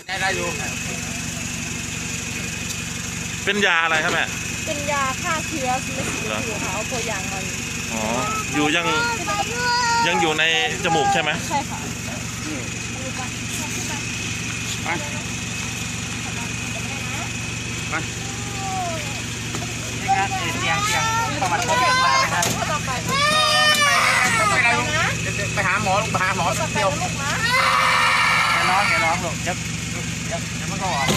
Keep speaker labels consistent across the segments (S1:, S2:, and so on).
S1: ได้อยู่
S2: เป็นยาอะไรครับแม่
S3: เป็นยาฆ่าเชื้อไม่ฉีดอยู่ค่ะเอาตัวอย่างมา
S2: อ๋ออยู่ยังอยู่ในจมูกใช่ไหม
S3: ใช่ค่ะ
S1: ไปนี่ครับเตียงประวัติโควิดมาไหมครับไปหาหมอลูกไปหาหมอเดียวอย่าร้องลูกเดี๋ยวมันก็ออก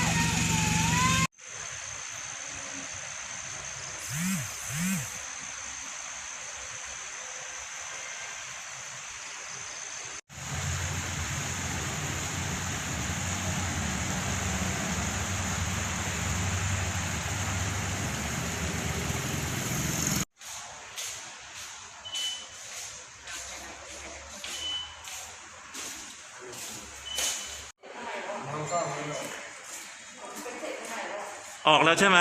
S2: ออกแล้วใช่ไหม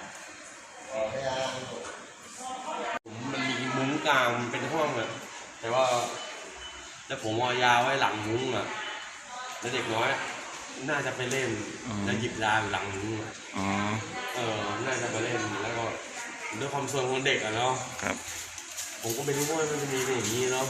S4: มันมีมุ้งกลางเป็นห้องอะแต่ว่าแล้วผมเอายาไว้หลังมุ้งอะแล้วเด็กน้อยน่าจะไปเล่นแล้วหยิบยาหลังมุ้งอะน่าจะไปเล่นแล้วก็ด้วยความส่วนของเด็กอะเนาะ
S2: ครับ
S4: ผมก็ไม่รู้ว่ามันจะมีเป็นอย่างนี้เนาะ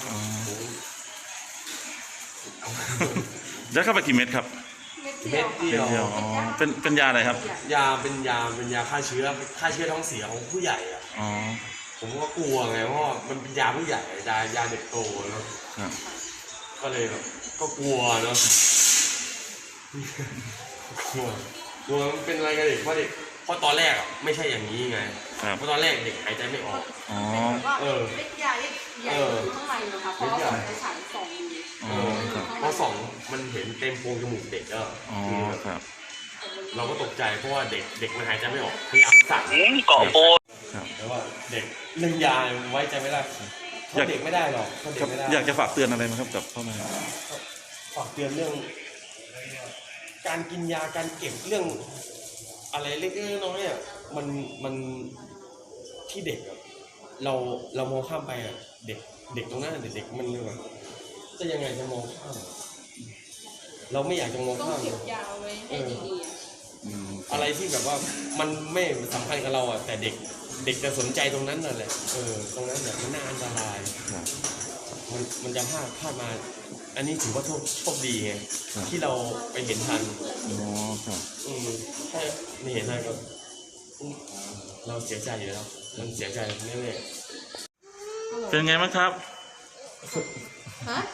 S2: แล้วเข้าไปกี่เม็ดครับ
S4: เม็ดเดียว
S2: เป็นยาอะไรครับ
S4: ยาเป็นยาฆ่าเชื้อท้องเสียของผู้ใหญ่อะผมก็กลัวไงเพราะมันเป็นยาผู้ใหญ่ยาเด็กโตเนาะก็เลยแบบก็กลัวเนาะกลัวมันเป็นอะไรกับเด็กเพราะตอนแรกอ่ะไม่ใช่อย่างนี้ไงเพราะตอนแรกเด็กหายใจไม่ออก
S3: เล็กใหญ่ใหญ่อยู่ข้างในนะคะเพราะว่าในฉายส่อง
S4: เพราะส่องมันเห็นเต็มโพรงจมูกเด็กเราก็ตกใจเพราะว่าเด็กมันหายใจไม่ออกพยายามสั่ง
S1: เกาะโป
S4: แต่ว่าเด็กเรื่องยาไว้ใจไม่ได้เขาเด็กไม่ได้หรอกเขาเด็กไม่ได้
S2: อยากจะฝากเตือนอะไรไหมครับกับพ่อแม่
S4: ฝากเตือนเรื่องการกินยาการเก็บเรื่องอะไรเล็กๆน้อยๆอ่ะมันที่เด็กอ่ะเรามองข้ามไปอ่ะเด็กตรงนั้นเด็กมันเลยจะยังไงจะมองข้ามเราไม่อยากจะมองข้าม
S3: เก็บยาวไว้ให้ดี
S4: ๆอะไรที่แบบว่ามันไม่สำคัญกับเราอ่ะแต่เด็กจะสนใจตรงนั้นนั่นแหละตรงนั้นเนี่ยมันน่าอันตรายมันจะพลาดมาอันนี้ถือว่าโชคดีไงที่เราไปเห็นทันใช่ไม่เห็นทันก็เราเสียใจอยู่แล้วมันเสียใจแน่
S2: ๆเป็นไงบ้างครับ
S3: ฮะ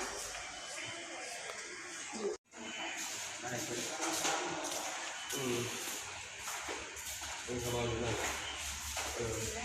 S4: เป็นสบายอยู่นั่น